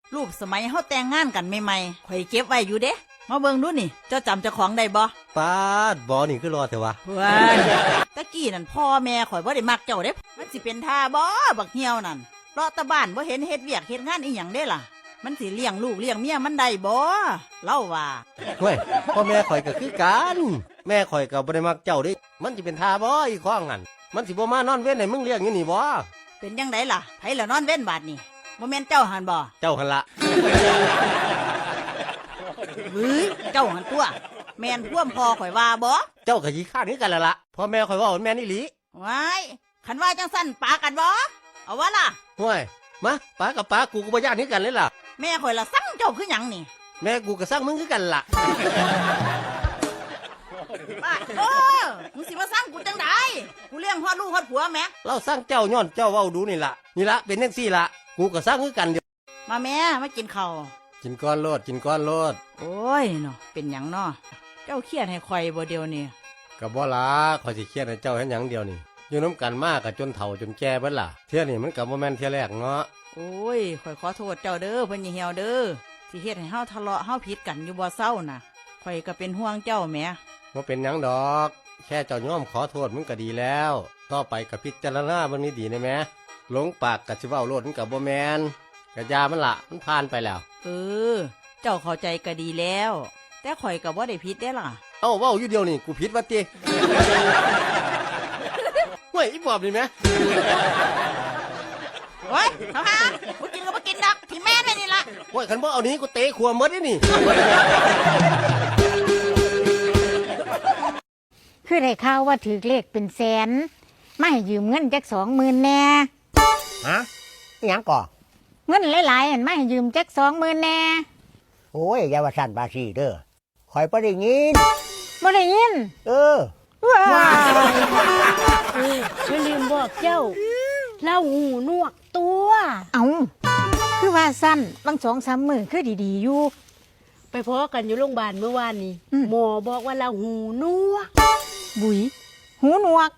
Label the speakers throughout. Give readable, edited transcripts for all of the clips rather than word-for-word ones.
Speaker 1: รูปสมัยเฮาแต่งงานกันใหม่ๆข่อยเก็บไว้อยู่เด้มาเบิ่งดูนี่เจ้าจำเจ้าของได้บ่
Speaker 2: ปาดบอนี่คือรอเถอะวะ
Speaker 1: ว้ายตะกี้นั่นพ่อแม่ข่อยบ่ได้มักเจ้าเด้มันสิเป็นท่าบ่บักเหี่ยวนั่นเลาะตะบ้านบ่เห็นเฮ็ดเวียกเฮ็ดงานอีหยังเด้ล่ะมันสิเลี้ยงลูกเลี้ยงเมียมันได้บ่เล่าว่า
Speaker 2: เฮ้ยพ่อแม่ข่อยก็คือกันแม่ข่อยก็บ่ได้มักเจ้าเด้มันสิเป็นท่าบ่อีข้องนั่นมันสิบ่มานอนเว้นให้มึงเลี้ยงอยู่นี่บ่
Speaker 1: เป็นจังไดล่ะไผละนอนเว้นบาดนี่บ่แม่นเจ้าหันบ่
Speaker 2: เจ้าหั่นละ
Speaker 1: เฮ้ยเจ้าหันตัวแม่นพ่วมพ่อข่อยว่าบ่
Speaker 2: เจ้าก็ขี้ข้านคือกันละพ่อแม่ข่อยว่าแม่นอีหลี
Speaker 1: ว้ายคันว่าจังสั่นปากันบ่เอาวะล่ะ
Speaker 2: ห่วยมาป้ากับป้ากูก็บ่ย่านคือกันเลยล่ะ
Speaker 1: แม่ข่อยละสั่งเจ้าคือหยังนี่
Speaker 2: แม่กูก็สั่งมึงคือกันล่ะ
Speaker 1: ป้ามึงสิมาสั่งกูจังไดกูเลี้ยงฮอดลูกฮอดผัวแม่
Speaker 2: เราสั่งเจ้าย้อนเจ้าเว้าดูนี่ล่ะเป็นจังซี่ล่ะกูก็สั่งคือกันเดียว
Speaker 1: มาแม่มากินข้าว
Speaker 2: กินก้อนโลด
Speaker 1: โอ้ยเนาะเป็นหยังเนาะเจ้าเครียดให้ข่อยบ่เดียวนี่
Speaker 2: ก็บ่ล่ะข่อยสิเครียดให้เจ้าเฮ็ดหยังเดียวนี่อยู่น้ำกันมากก็จนเฒ่าจนแก่เบิดล่ะเที่ยนี่มันก็บ่แม่นเที่ยแรกเนาะ
Speaker 1: โอ้ยข่อยขอโทษเจ้าเด้อเพิ่นอย่าเหี่ยวเด้อสิเฮ็ดให้เฮาทะเลาะเฮาผิดกันอยู่บ่เศร้าน่ะข่อยก็เป็นห่วงเจ้าแหม
Speaker 2: บ่เป็นหยังดอกแค่เจ้ายอมขอโทษมึงก็ดีแล้วต่อไปก็พิจารณาเบิ่งนี้ดีได้แหมหลงปากก็สิเว้าโลดมันก็บ่แม่นก็ยามันล่ะมันผ่านไปแล้ว
Speaker 1: เจ้าเข้าใจก็ดีแล้วแต่ข่อยก็บ่ได้ผิดเด้ล่ะ
Speaker 2: เอ้าเว้าอยู่เดียวนี่กูผิดว่าติเฮ้ยอีปอบนี่แหม
Speaker 1: โอ้ยเขาหาบ่กินก็บ่กินดอกที่แม่แม่นี่ล่ะ
Speaker 2: โอ้ยคันบ่เอานี้กูเตะขวหมดนี่
Speaker 3: คือได้ข่าวว่าถือเลขเป็นแสนมาให้ยืมเงินจัก20,000แน่
Speaker 4: ฮะหยังก่อ
Speaker 3: เงินหลายๆอันมาให้ยืมจัก20,000แน่
Speaker 4: โอ้ยอย่าว่าสั่นบาซีเด้อคอยบ่ได้ยิน
Speaker 3: บ่ได้ยิน
Speaker 4: ว้า
Speaker 5: ฉันลืมบอกเจ้าเล่าหูหนวกตัว
Speaker 3: เอาคือว่าสั้นบาง2-3 มื้อคือดีๆอยู่
Speaker 5: ไปพอกันอยู่โรงพยาบาลเมื่อวานนี้หมอบอกว่าเราหูหนวก
Speaker 3: บุ๋ยหูหนวก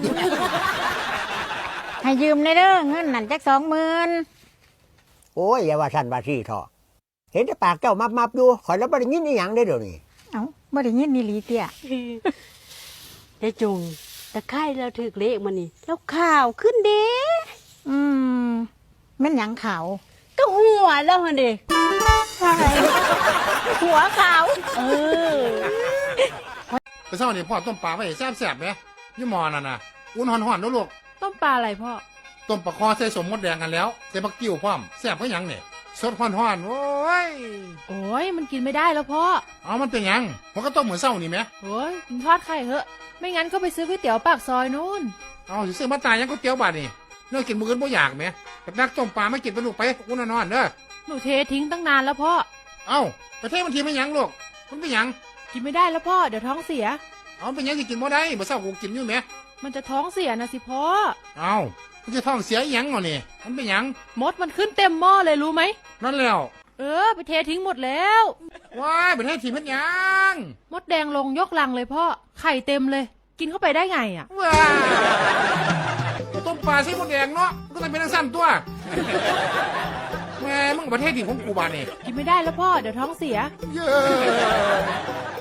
Speaker 3: ให้ยืมได้เด้อเงินนั่นจัก20,000
Speaker 4: โอ้ยอย่าว่าสั่นบาซีเถาะเห็นแต่ปากเจ้ามับอยู่คอยแล้วบ่ได้ยินอีหยังได้เดี๋ยวนี้
Speaker 3: เอ้าบ่ได้ยินนี่ลีเตี้ย
Speaker 5: ได้จงตะไคร่เราถือเลขมานี่แล้วข่าวขึ้นเด้
Speaker 3: แม่นหยังขาว
Speaker 5: ก็หัวแล้วหั่นเด้
Speaker 3: หัวขาว
Speaker 6: ไปเช้านี่พ่อต้มปลาไว้แซ่บๆไหมยี่หมอนั่นน่ะอุ่นห่อนๆด้วยลูก
Speaker 5: ต้มปลาอะไรพ่อ
Speaker 6: ต้มปลาคอใส่สมมดแดงกันแล้วใส่ผักกิ้วพร้อมแซ่บก็ยังเนี่ยสดห่อนๆโอ้
Speaker 5: ยมันกินไม่ได้แล้วพ่อ
Speaker 6: เอามันเป็นยังมันก็ต้มเหมือนเช้านี่ไหม
Speaker 5: โอ้ยทอดไข่เหอะไม่งั้นก็ไปซื้อก๋วยเตี๋ยวปากซอยนู้น
Speaker 6: เอาสิซื้อมาตายยังก๋วยเตี๋ยวบาดนี่เนื้อกินมื้ออื่นบ่อยากไหมกับนักต้มปลาไม่กินไปลูกไปอุ่นนอนเด้อ
Speaker 5: หนูเททิ้งตั้งนานแล้วพ่อ
Speaker 6: เอาไปเทมันทีไม่ยังลูกมันเป็นยัง
Speaker 5: กินไม่ได้แล้วพ่อเดี๋ยวท้องเสีย
Speaker 6: เอาเป็นยังสิกินบ่ได้บ่เช้ากูกินอยู่ไหม
Speaker 5: มันจะท้องเสียนะสิพ่อ
Speaker 6: เอามันจะท้องเสียยังเหรอนี่มันเป็นยัง
Speaker 5: มดมันขึ้นเต็มหม้อเลยรู้ไหม
Speaker 6: นั่นแล้ว
Speaker 5: ไปเททิ้งหมดแล้ว
Speaker 6: ว้ายไปเททิ้งมันยัง
Speaker 5: มดแดงลงยกลังเลยพ่อไข่เต็มเลยกินเข้าไปได้ไงอ่ะ
Speaker 6: ว้าต้มปลาใช้มดแดงเนาะก็ต้องเป็นสั้นตัวแม่มึงประเทศถิ่นของกูบานนี่
Speaker 5: กินไม่ได้แล้วพ่อเดี๋ยวท้องเสีย
Speaker 6: เย้